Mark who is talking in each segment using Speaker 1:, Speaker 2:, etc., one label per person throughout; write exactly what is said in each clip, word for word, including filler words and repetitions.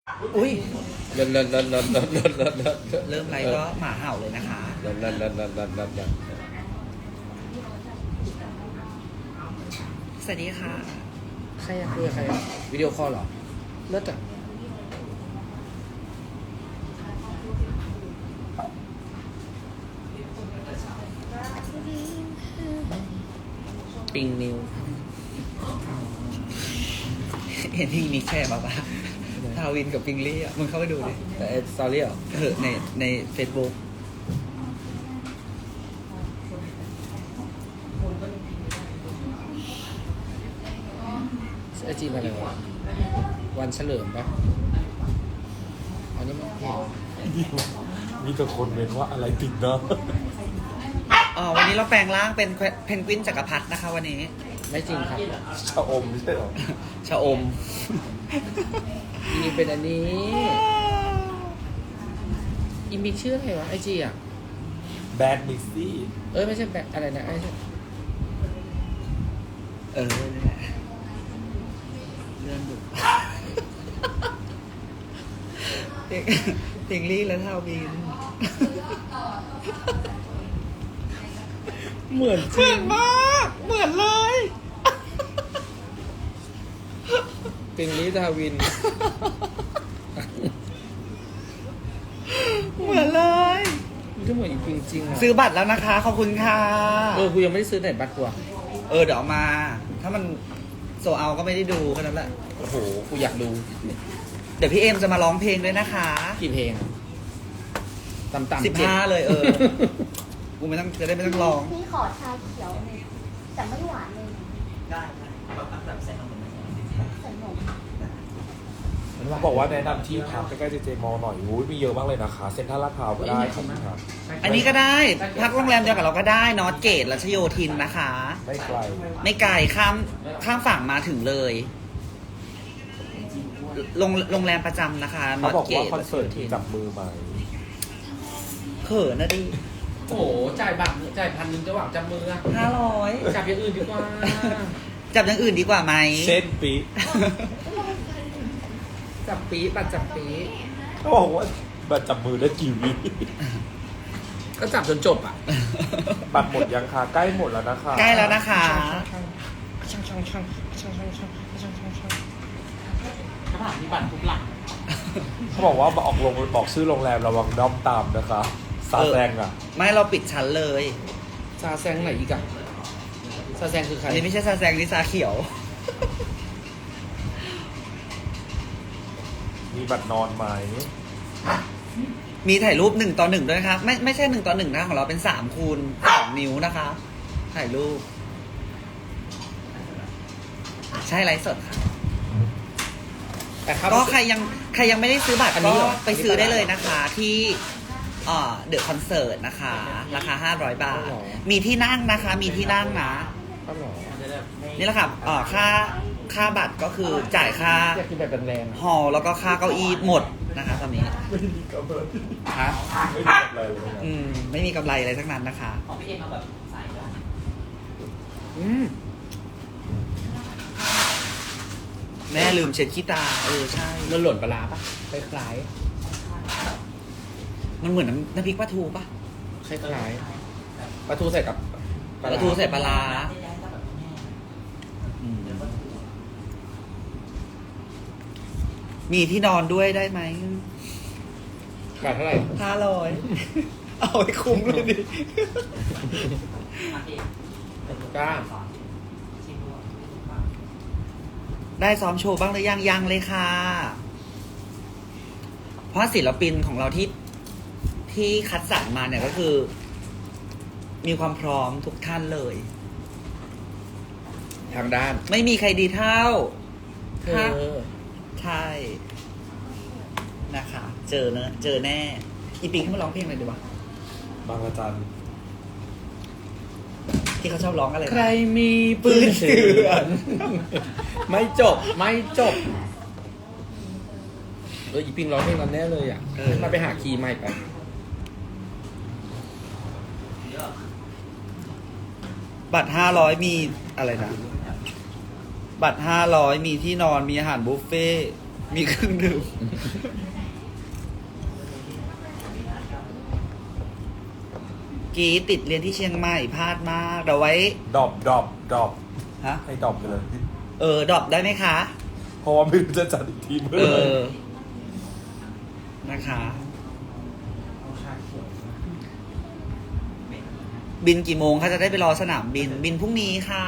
Speaker 1: อุ้ย
Speaker 2: เลิศเลิศเลิศเลิศเลิศเลิศเลิศเลิศ
Speaker 1: เริ่มไลฟ์ก็หมาเห่าเลยนะคะ
Speaker 2: เลิศเลิศเลิศเลิศเลิศเลิศเลิศ
Speaker 1: สวัสดีค่ะ
Speaker 2: ใครอะคุยกับใครอะวิดีโอคอลเหรอเลิศอ่ะปิงนิว
Speaker 1: เห็นพิงนิกแชร์มาปะทาวินกับปิงลี่อ่ะมึงเข้าไปดูดิ
Speaker 2: แต่สตอรี่เหรอ
Speaker 1: เออในในเฟซบุ๊ก
Speaker 2: ไอจีมาเลยวะวันเฉลิมปะอันนี้มันเห็น
Speaker 3: มีแต่คนเมนว่าอะไรติดเนาะ
Speaker 1: อ๋อวันนี้เราแปลงร่างเป็นเพนกวินจักรพรรดินะคะวันนี้
Speaker 2: ไม่จริงครับ
Speaker 3: ชะอมไม่ใช่หรอ
Speaker 1: ชะอม
Speaker 2: อีเป็นอันนี้อีมีชื่ออะไรวะไอจีอ่ะ
Speaker 3: แบดมิกซี่
Speaker 2: เอ้ยไม่ใช่แบบอะไรนะไอ้
Speaker 1: เออนี่แหละเลื่อนดูเพลงเพลงลี่และทาวิน
Speaker 2: เหมือนจ
Speaker 1: เหมื
Speaker 2: ริ
Speaker 1: อง นมาก เหมือนเลย
Speaker 2: ปิงลิทาวิน
Speaker 1: เหมือนเลย
Speaker 2: มันก็เหมือนอีปิงจริงอ่ะ
Speaker 1: ซื้อบัตรแล้วนะคะ ขอบคุณค่ะ
Speaker 2: เออกูยังไม่ได้ซื้อไหนบัตรกูอ่ะ
Speaker 1: เออเดี๋ยวเอามา ถ้ามันโซเอาก็ไม่ได้ดูแค่นั้นแหละ
Speaker 2: โอ้โหกูอยากดู
Speaker 1: เดี๋ยวพี่เอ็มจะมาร้องเพลงด้วยนะคะ
Speaker 2: กี่เพลงต่ำๆ
Speaker 1: สิบ
Speaker 2: เจ็ด
Speaker 1: ห้าเลยเออ กูไม่ต้องจะได้ไม่ต้องร้อง
Speaker 4: พี่ขอชาเขียวแต่ไม่หวานเลย
Speaker 1: ได้แบบใส่นม
Speaker 4: ใส่นม
Speaker 3: บอกว่าแนะนำที่พักใกล้ๆเจเจมอลหน่อยอุ้ยมีเยอะมากเลยนะคะ เซ็นทรัลลาดพร้าวก็ได้ครับครับ
Speaker 1: อันนี้ก็ได้ พักโรงแรมเดียวกับเราก็ได้ นอตเกตรัชโยธินนะคะ
Speaker 3: ไม่ไกล
Speaker 1: ไม่ไกลข้ามข้ามฝั่งมาถึงเลยโรงโรงแรมประจำนะคะ น
Speaker 3: เขา
Speaker 1: อต
Speaker 3: บอก
Speaker 1: เก
Speaker 3: ว่า
Speaker 1: ต
Speaker 3: คอนเสิร์ตมีจับมือไหม
Speaker 1: เขินนะดิ
Speaker 2: โอ้โหจ่ายบัตรจ่ายพันหนึ่งจะหวังจับมืออะ
Speaker 1: ห้าร้อย
Speaker 2: จับอย่างอื่นดีกว่า
Speaker 1: จับอย่างอื่นดีกว่าไหม
Speaker 3: เช่นปี
Speaker 2: จับปีบัตรจับปี
Speaker 3: เขาบอกว่าบัตรจับมือได้กี่วิ
Speaker 2: ก็จับจนจบอ่ะ
Speaker 3: บัตรหมดยังคะใกล้หมดแล้วนะคะ
Speaker 1: ใกล้แล้วนะคะ
Speaker 2: ช่างช่างช่างช่างช่างช่างช่างช่างช่างกระถางมีบัตรทุกหลัง
Speaker 3: เขาบอกว่าบอกลงบอกชื่อโรงแรมระวังด้อมตามนะคะซาแซงอ่ะ
Speaker 1: ไม่เราปิดชั้นเลย
Speaker 2: ซาแซงไหนอีกอะซาแซงคือใคร
Speaker 1: อันนี้ไม่ใช่ซาแซงนี่ซาเขียว
Speaker 3: มีบัตรนอนไหม
Speaker 1: มีถ่ายรูปหนึ่งต่อหนึ่งด้วยนะคะไม่ไม่ใช่หนึ่งต่อหนึ่งนะของเราเป็นสามคูณสองนิ้วนะคะ ถ่ายรูป ใช่ไลฟ์สดค่ะ
Speaker 2: แต่ครับ
Speaker 1: ก็ใครยังใครยังไม่ได้ซื้อบัตร
Speaker 2: อันนี้
Speaker 1: ก็
Speaker 2: เหรอ
Speaker 1: ไปซื้อได้เลยนะคะ ที่เดอะคอนเสิร์ตนะคะ ราคาห้าร้อยบาท มีที่นั่งนะคะ มีที่นั่งนะ
Speaker 2: ก็หรอ
Speaker 1: นี่แหละค่ะเอ่อค่าค่าบัตรก็คือจ่ายค่า
Speaker 2: อยากกินแบบแรงๆอะ
Speaker 1: ฮอลล์แล้วก็ค่าเก้าอี้หมดนะคะตอนนี้
Speaker 3: ไม่มีกำไร
Speaker 1: ฮะ
Speaker 3: ไม่มีกำไรเลยนะ
Speaker 1: อืมไม่มีกำไรอะไรทั้งนั้นนะคะ
Speaker 5: ของพี่เอ็มมาแบบใส่ด้วย
Speaker 1: อืมแม่ลืมเช็ดขี้ตา เออใช่
Speaker 2: มันหล่นปลาร้าปะคล้าย
Speaker 1: มันเหมือนน้ำน้ำพริกปลาทูปะ
Speaker 2: ๆคล้ายๆปลาทูใส่กับ
Speaker 1: ปลาทูใส่ปลาร้าอืมมีที่นอนด้วยได้ไหม
Speaker 2: บาทเท่าไหร่
Speaker 1: ห้าร้อย เอาให้คุ้มเลยดิ
Speaker 5: มาพี่
Speaker 2: กล้า
Speaker 5: ชิมดู
Speaker 1: ได้ซ้อมโชว์บ้างหรือยังยังเลยค่ะ เพราะศิลปินของเราที่ที่คัดสรรมาเนี่ยก็คือ มีความพร้อมทุกท่านเลย
Speaker 2: ทางด้าน
Speaker 1: ไม่มีใครดีเท่า
Speaker 2: เธ
Speaker 1: ฮะ
Speaker 2: อ
Speaker 1: ใช่นะคะ เจอเนอะเจอแน่ อีปิงขึ้นมาร้องเพลงอะไรดีวะ
Speaker 3: บางระจัน
Speaker 1: ที่เขาชอบร้องอะไรนะ
Speaker 2: ใครมีปืนเถื่อน ไม่จบไม่จบเอออีปิงร้องเพลงนั้นแน่เลยอ่ะมาไปหาคีย์ใหม่ไป
Speaker 1: บัตรห้าร้อยมีอะไรนะ บัตรห้าร้อยมีที่นอนมีอาหารบุฟเฟ่ต์มีเครื่องดื่มกีติดเรียนที่เชียงใหม่พลาดมากเดี๋ยวไว้
Speaker 3: ดรอปดรอปดรอป
Speaker 1: ฮะ
Speaker 3: ให้ดรอปไปเลย
Speaker 1: เออดรอปได้ไหมคะ
Speaker 3: เพราะว่าไม่รู้จะจัดอีกทีเมื่อ
Speaker 1: เอ
Speaker 3: ไหร่
Speaker 1: อ นะคะ บินกี่โมงคะจะได้ไปรอสนามบิน บินพรุ่งนี้ค่ะ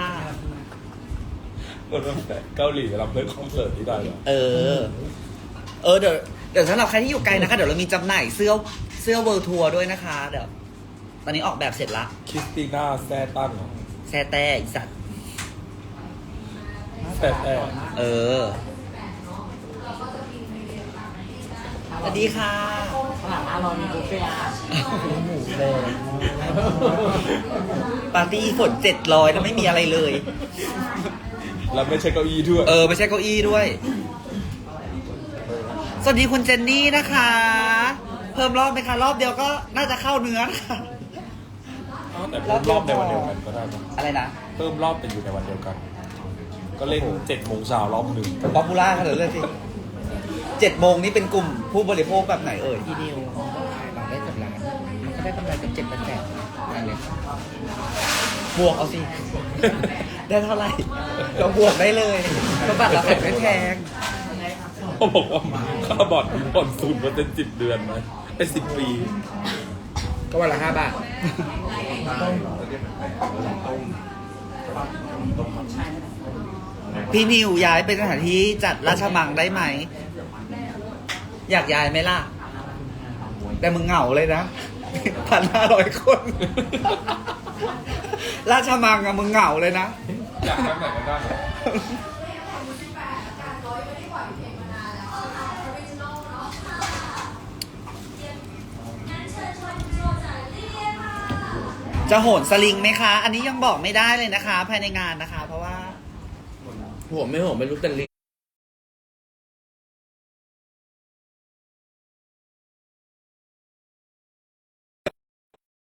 Speaker 3: มันแบบเกาหลีรับเล่นคอนเสิร์ตที่ได้เหรอ
Speaker 1: เออ เออเดี๋ยวเดี๋ยวสำหรับใครที่อยู่ไกลนะคะ เดี๋ยวเรามีจำหน่ายเสื้อเสื้อเวิร์ทัวร์ด้วยนะคะ เดี๋ยว ตอนนี้ออกแบบเสร็จละ
Speaker 3: คริสติน่าแซ่ตั้งเหรอ
Speaker 1: แซ่แต่อีสัตว์
Speaker 3: แซ่แต่
Speaker 1: เออ สวัสดีค่ะ
Speaker 5: ข้างหลังร้านเรามีบุฟเฟ่ต์อาหาร
Speaker 2: หมูแดง
Speaker 1: ปาร์ตี้ฝนเจ็ดร้อยแล้วไม่มีอะไรเลย
Speaker 3: แล้วไม่ใช่เก้าอี้ด้วย
Speaker 1: เออ ไม่ใช่เก้าอี้ด้วย สวัสดีคุณเจนนี่นะคะ เพิ่มรอบไหมคะ รอบเดียวก็น่าจะเข้าเนื้อค่ะ
Speaker 3: แต่เพิ่มรอบในวันเดียวกันก็ได้ปะ
Speaker 1: อะไรนะ
Speaker 3: เพิ่มรอบแต่อยู่ในวันเดียวกัน ก็เล่นเจ็ดโมงเช้ารอบหนึ่ง
Speaker 1: ป๊อปปูล่ากันเลยเลยสิเจ็ดโมงนี่เป็นกลุ่มผู้บริโภคแบบไหนเอ่ย
Speaker 2: ทีเดียวขายบัตรได้กับร้านมันก็ได้กำไรเป็นเจ็ดแปดแสนอะไรเลย
Speaker 1: บวกเอาสิ ได้เท่าไหร่ก็บวกได้เลยเพราะบัตรเราขายไม่แพง
Speaker 3: เขาบอกว่าค่าบอร์ดมีผ่อนศูนย์เปอร์เซ็นต์สิบเดือนไหมไอ้สิบปี
Speaker 2: ก็วันละห้าบาท
Speaker 1: พี่นิวย้ายเป็นสถานที่จัดราชมังได้ไหม อยากย้ายไหมล่ะ แต่มึงเหงาเลยนะ พันห้าร้อยคน ราชมังอะมึงเหงาเลยนะ
Speaker 3: อยากทำไหนกันบ้าง
Speaker 1: จะโหนสลิงไหมคะ อันนี้ยังบอกไม่ได้เลยนะคะ ภายในงานนะคะ เพราะว่า
Speaker 2: หัวไม่หัวไม่รู้แต่ลิ